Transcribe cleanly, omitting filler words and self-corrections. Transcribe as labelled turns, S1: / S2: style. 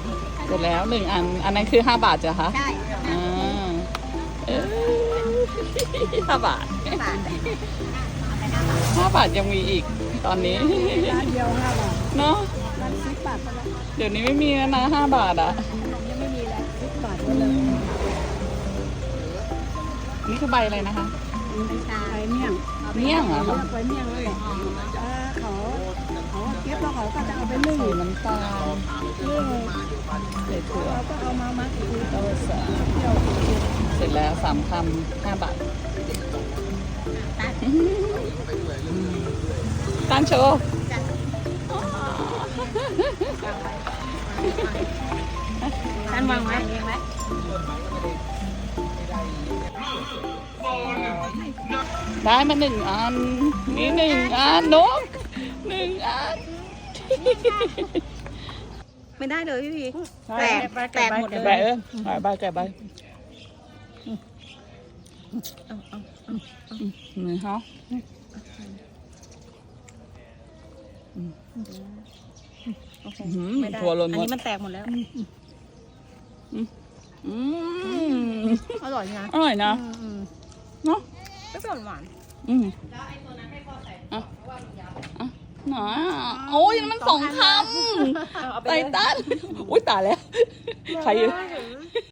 S1: เสร็จแล้ว1 อันอันนั้นคือ5 บาทจ้ะคะ
S2: ใช่
S1: อ่า5 บาท5 บาทยังมีอีกตอนนี้
S3: ร้านเดียว5 บาท
S1: เนาะ
S3: ร้าน10 บาทก็แล้ว
S1: เดี๋ยวนี้ไม่มีแล้วนะ5 บาทอ่ะ
S3: ยังไม่มีแล้ว10 บาทก็เลย
S1: นี่คือใบอะไรนะคะ
S3: ไปเมี่ยง
S1: เมี่ยงเหรอ
S3: เลื
S1: คะ
S3: อกไปเมี่ยงแล้วแหละเขาเก็บแล้วเขาก็จะเอาไปนึ่ง
S1: ใส่น้ำตาล
S3: นึ่ง
S1: ใส่ถั่ว
S3: เราก็เอามามัดอีกที
S1: เต้าสา
S3: เที่ยว
S1: เสร็จแล้ว3 คำ 5 บาทตั้งโชว์
S2: ท่านวางไว้เองไหม
S1: ได้มา1 อันนี่1 อันนก1 อัน
S2: ไม่ได้เลยพี่พีแตกหมดเลย
S1: แกะใบใบแกะใบนี่ฮะถั่วหล่นหม
S2: อัน
S1: ด
S2: นี้มันแตกหมดแล้วอร่อยนะ
S1: อร่อยนะเนาะ
S2: ก็ส่วนหวาน
S1: อ่ะหนาโอ้ยมัน2 คำไตตันอุ้ยตายแล้วใคร